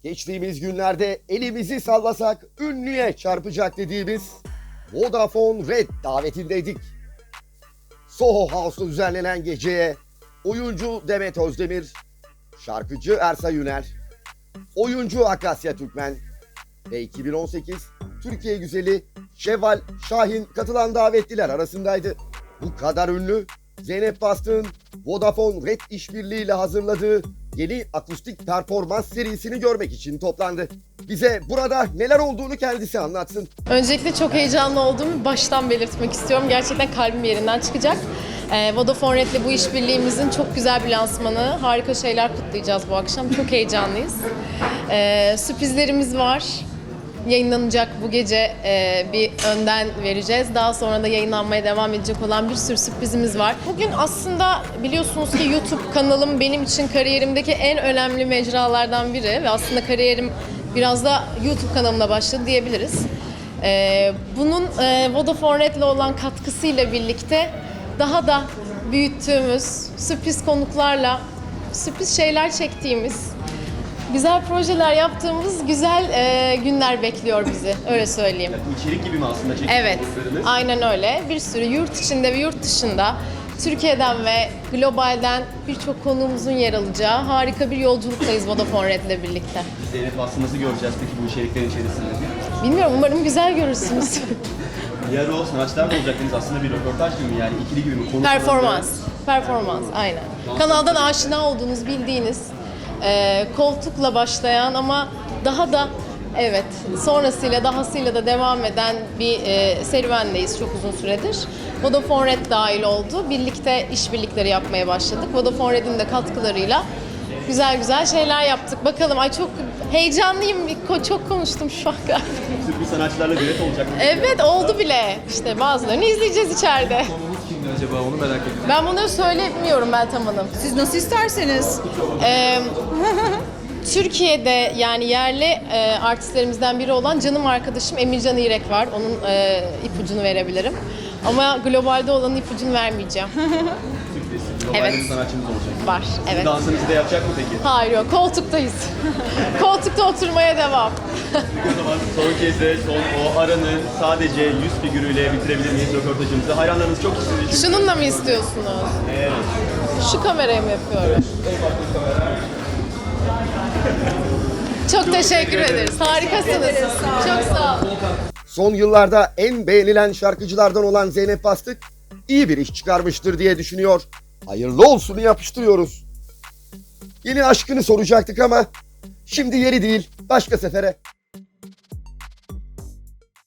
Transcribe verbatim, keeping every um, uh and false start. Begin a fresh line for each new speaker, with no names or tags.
Geçtiğimiz günlerde elimizi sallasak ünlüye çarpacak dediğimiz Vodafone Red davetindeydik. Soho House'da düzenlenen geceye oyuncu Demet Özdemir, şarkıcı Ersay Üner, oyuncu Akasya Türkmen ve iki bin on sekiz Türkiye güzeli Şevval Şahin katılan davetliler arasındaydı. Bu kadar ünlü, Zeynep Bastık'ın Vodafone Red işbirliğiyle hazırladığı yeni akustik performans serisini görmek için toplandı. Bize burada neler olduğunu kendisi anlatsın.
Öncelikle çok heyecanlı olduğumu baştan belirtmek istiyorum. Gerçekten kalbim yerinden çıkacak. Ee, Vodafone Red'le bu işbirliğimizin çok güzel bir lansmanı. Harika şeyler kutlayacağız bu akşam. Çok heyecanlıyız. Ee, sürprizlerimiz var. Yayınlanacak bu gece e, bir önden vereceğiz. Daha sonra da yayınlanmaya devam edecek olan bir sürü sürprizimiz var. Bugün aslında biliyorsunuz ki YouTube kanalım benim için kariyerimdeki en önemli mecralardan biri ve aslında kariyerim biraz da YouTube kanalımla başladı diyebiliriz. E, bunun e, Vodafone Red'le olan katkısıyla birlikte daha da büyüttüğümüz, sürpriz konuklarla sürpriz şeyler çektiğimiz, güzel projeler yaptığımız güzel e, günler bekliyor bizi, öyle söyleyeyim.
Yani içerik gibi mi aslında çektiğiniz
Evet,
konuklarınız?
aynen öyle. Bir sürü yurt içinde ve yurt dışında, Türkiye'den ve globalden birçok konuğumuzun yer alacağı harika bir yolculuktayız Vodafone Red'le birlikte.
Zeynep Bastık'ı nasıl göreceğiz peki bu içeriklerin içerisinde?
Bilmiyorum, umarım güzel görürsünüz.
Diğer o sanatçılar mı olacaktınız aslında bir röportaj gibi mi yani ikili gibi mi? Konu
Performans, performans aynen. Kanaldan aşina olduğunuz, bildiğiniz, e, koltukla başlayan ama daha da evet sonrasıyla dahasıyla da devam eden bir e, serüvendeyiz çok uzun süredir. Vodafone Red dahil oldu. Birlikte işbirlikleri yapmaya başladık. Vodafone Red'in de katkılarıyla güzel güzel şeyler yaptık. Bakalım, ay çok heyecanlıyım. Çok konuştum şu an galiba.
Sürpriz sanatçılarla düet olacak mı?
Evet, oldu bile. İşte bazılarını izleyeceğiz içeride.
Konuğumuz kimdi acaba, onu merak ettim.
Ben bunu söylemiyorum Meltem Hanım.
Siz nasıl isterseniz.
Ee, Türkiye'de yani yerli e, artistlerimizden biri olan canım arkadaşım Emircan İrek var. Onun e, ipucunu verebilirim. Ama globalde olanın ipucunu vermeyeceğim.
Sürpriz. Globalde
Evet.
bir sanatçımız olacak.
Var, evet.
Dansınızı da yapacak mı peki?
Hayır yok, koltuktayız. Koltukta oturmaya devam.
Peki o zaman son kez de son o aranı sadece yüz figürüyle bitirebilir miyiz röportajımızı? Hayranlarınız çok istiyor çünkü.
Şununla mı istiyorsunuz?
Evet.
Şu kamerayı mı yapıyorum? Çok teşekkür ederiz. Harikasınız. Çok sağ olun.
Son yıllarda en beğenilen şarkıcılardan olan Zeynep Bastık iyi bir iş çıkarmıştır diye düşünüyor. Hayırlı olsunu yapıştırıyoruz. Yeni aşkını soracaktık ama şimdi yeri değil, başka sefere.